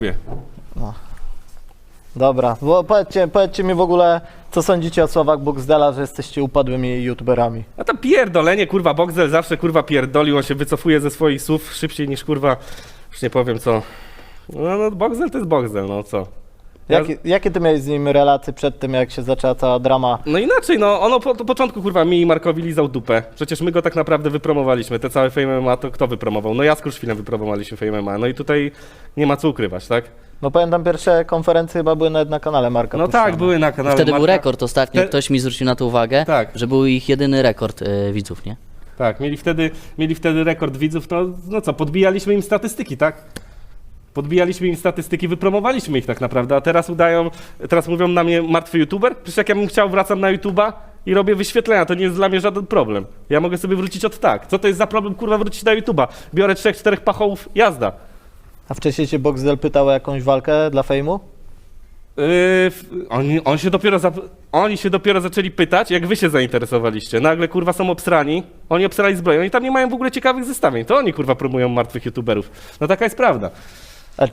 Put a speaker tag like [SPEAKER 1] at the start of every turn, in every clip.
[SPEAKER 1] No. Dobra, bo powiedzcie mi w ogóle, co sądzicie o słowach Boxdela, że jesteście upadłymi youtuberami.
[SPEAKER 2] A to pierdolenie, kurwa, Boxdel zawsze, kurwa, pierdolił, on się wycofuje ze swoich słów szybciej niż, kurwa, już nie powiem co. No Boxdel to jest Boxdel, no co.
[SPEAKER 1] Jakie ty miałeś z nim relacje przed tym, jak się zaczęła cała drama?
[SPEAKER 2] No inaczej, no ono po początku, kurwa, mi i Markowi lizał dupę. Przecież my go tak naprawdę wypromowaliśmy, te całe Fame MMA to kto wypromował? No ja z Kruszwilem wypromowaliśmy Fame MMA, no i tutaj nie ma co ukrywać, tak?
[SPEAKER 1] No pamiętam, pierwsze konferencje chyba były nawet na kanale Marka
[SPEAKER 2] No
[SPEAKER 1] puszczane.
[SPEAKER 2] tak, były na kanale
[SPEAKER 3] Wtedy
[SPEAKER 2] Marka.
[SPEAKER 3] był rekord ostatnio, ktoś mi zwrócił na to uwagę,
[SPEAKER 2] Tak.
[SPEAKER 3] że był ich jedyny rekord widzów, nie?
[SPEAKER 2] Tak, mieli wtedy rekord widzów, no co, podbijaliśmy im statystyki, tak? Podbijaliśmy im statystyki, wypromowaliśmy ich tak naprawdę, a teraz mówią na mnie martwy youtuber? Przecież jak ja bym chciał, wracam na YouTube'a i robię wyświetlenia, to nie jest dla mnie żaden problem. Ja mogę sobie wrócić od tak. Co to jest za problem, kurwa, wrócić na YouTube'a? Biorę 3-4 pachołów, jazda.
[SPEAKER 1] A wcześniej cię Boxdel pytał o jakąś walkę dla fejmu?
[SPEAKER 2] Oni się dopiero zaczęli pytać, jak wy się zainteresowaliście. Nagle, kurwa, są obsrani, oni obsrali zbroję, oni tam nie mają w ogóle ciekawych zestawień. To oni, kurwa, promują martwych youtuberów. No taka jest prawda.
[SPEAKER 1] A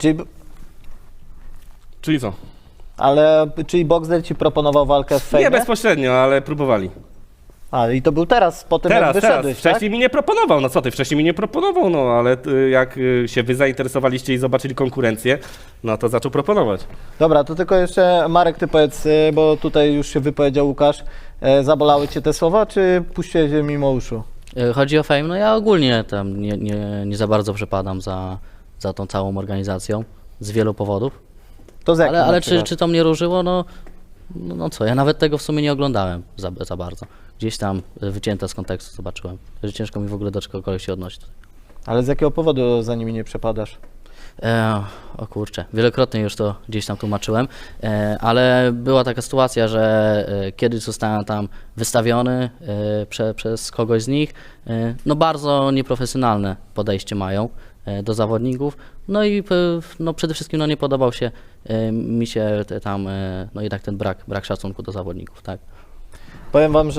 [SPEAKER 2] Czyli co?
[SPEAKER 1] czyli Boxdel ci proponował walkę w fejmie?
[SPEAKER 2] Nie bezpośrednio, ale próbowali.
[SPEAKER 1] A, i to był teraz, po tym jak
[SPEAKER 2] Teraz.
[SPEAKER 1] wyszedłeś, tak?
[SPEAKER 2] Wcześniej mi nie proponował, no co ty, wcześniej mi nie proponował, no ale jak się wy zainteresowaliście i zobaczyli konkurencję, no to zaczął proponować.
[SPEAKER 1] Dobra, to tylko jeszcze Marek, ty powiedz, bo tutaj już się wypowiedział Łukasz, zabolały cię te słowa, czy puściłeś je mimo uszu?
[SPEAKER 3] Chodzi o Fame, no ja ogólnie tam nie za bardzo przepadam za tą całą organizacją, z wielu powodów.
[SPEAKER 1] To z jakim na
[SPEAKER 3] Ale
[SPEAKER 1] przykład?
[SPEAKER 3] czy to mnie różyło? No co, ja nawet tego w sumie nie oglądałem za bardzo. Gdzieś tam wycięte z kontekstu zobaczyłem, że ciężko mi w ogóle do czegokolwiek się odnosić.
[SPEAKER 1] Ale z jakiego powodu za nimi nie przepadasz?
[SPEAKER 3] O kurczę, wielokrotnie już to gdzieś tam tłumaczyłem, ale była taka sytuacja, że kiedyś zostałem tam wystawiony przez kogoś z nich, no bardzo nieprofesjonalne podejście mają do zawodników, no i no przede wszystkim no nie podobał się mi się tam no jednak ten brak szacunku do zawodników, tak.
[SPEAKER 1] Powiem wam, że